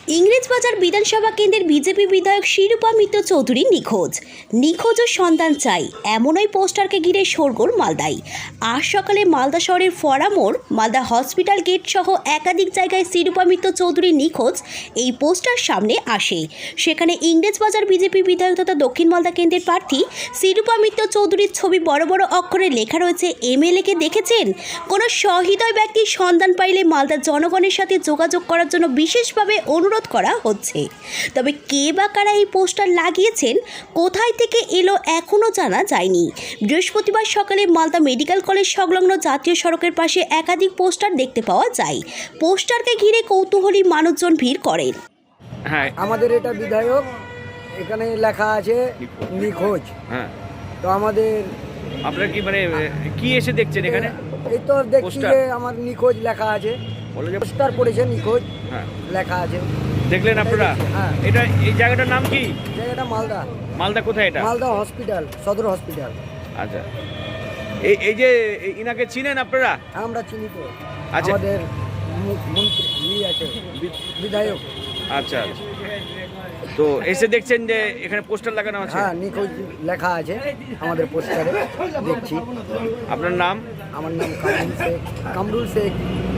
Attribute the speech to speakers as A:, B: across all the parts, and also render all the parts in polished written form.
A: ইংরেজবাজার বিধানসভা কেন্দ্রের বিজেপি বিধায়ক শিরূপা মিত্র চৌধুরী নিখোঁজ ও সন্ধান চাই এমনই পোস্টারকে ঘিরে শোরগোল মালদায়। আজ সকালে মালদা শহরের ফরামোড়, মালদা হসপিটাল গেট সহ একাধিক জায়গায় শিরূপা মিত্র চৌধুরী নিখোঁজ এই পোস্টার সামনে আসে। সেখানে ইংরেজবাজার বিজেপি বিধায়ক তথা দক্ষিণ মালদা কেন্দ্রের প্রার্থী শিরূপা মিত্র চৌধুরীর ছবি বড় বড় অক্ষরে লেখা রয়েছে। এমএলএকে দেখেছেন? কোনো সহৃদয় ব্যক্তির সন্ধান পাইলে মালদার জনগণের সাথে যোগাযোগ করার জন্য বিশেষভাবে অনুরোধ করা হচ্ছে। তবে কে বা কারা এই পোস্টার লাগিয়েছেন, কোথায় থেকে এলো এখনও জানা যায়নি। বৃহস্পতিবার সকালে মালদা মেডিকেল কলেজ সংলগ্ন জাতীয় সড়কের পাশে একাধিক পোস্টার দেখতে পাওয়া যায়। পোস্টারকে ঘিরে কৌতূহলী মানুষজন ভিড় করেন।
B: হ্যাঁ,
C: আমাদের এটা বিধায়ক, এখানে লেখা আছে নিখোঁজ।
B: হ্যাঁ,
C: তো আমাদের
B: আপনারা কি মানে কি এসে দেখছেন এখানে?
C: এই তো দেখছি
B: পোস্টার?
C: যে আমার নিখোঁজ লেখা আছে,
B: বলে যে
C: পোস্টার পড়েছে নিখোঁজ
B: হ্যাঁ,
C: লেখা আছে।
B: দেখলেন আপনারা?
C: হ্যাঁ।
B: এটা এই জায়গাটার নাম কি?
C: জায়গাটা মালদা,
B: মালদা কোথায় এটা?
C: Malda hospital, Sadar hospital.
B: আচ্ছা, এই যে ইনাকে চিনেন আপনারা?
C: আমরা চিনি তো,
B: আচ্ছা।
C: আমাদের মন্ত্রী আছে, বিধায়ক।
B: আচ্ছা, আচ্ছা। তো এসে দেখছেন যে এখানে পোস্টার লাগানো আছে?
C: হ্যাঁ, নিখোঁজ লেখা আছে আমাদের পোস্টারে, দেখছি।
B: আপনার নাম?
C: আমার নাম কামরুল শেখ।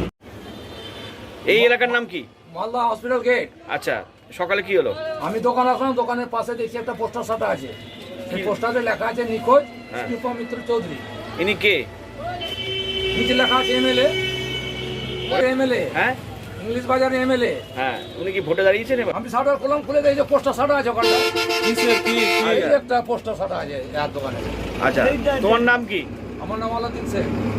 B: এই এলাকার নাম কি?
D: Malda hospital gate.
B: আচ্ছা, সকালে কি হলো?
D: আমি দোকান আসলাম, দোকানের পাশে দেখছি একটা পোস্টার সাটা আছে। সেই পোস্টারে লেখা আছে নিখোঁজ
B: হ্যাঁ।
D: শিরূপা মিত্র চৌধুরী।
B: ইনি কে?
D: নিচে লেখা আছে এমএলএ। এমএলএ,
B: হ্যাঁ,
D: ইংলিশ বাজার এমএলএ।
B: হ্যাঁ, উনি কি ভোটে দাঁড়িয়েছেন এবার?
D: আমি শাটার খুললাম, খুলে দেখি যে পোস্টার সাটা আছে ওখানটা।
B: আচ্ছা।
D: একটা পোস্টার সাটা আছে আর দোকানে।
B: আচ্ছা, তোমার নাম কি?
D: আমার নাম আলাদিন শেখ।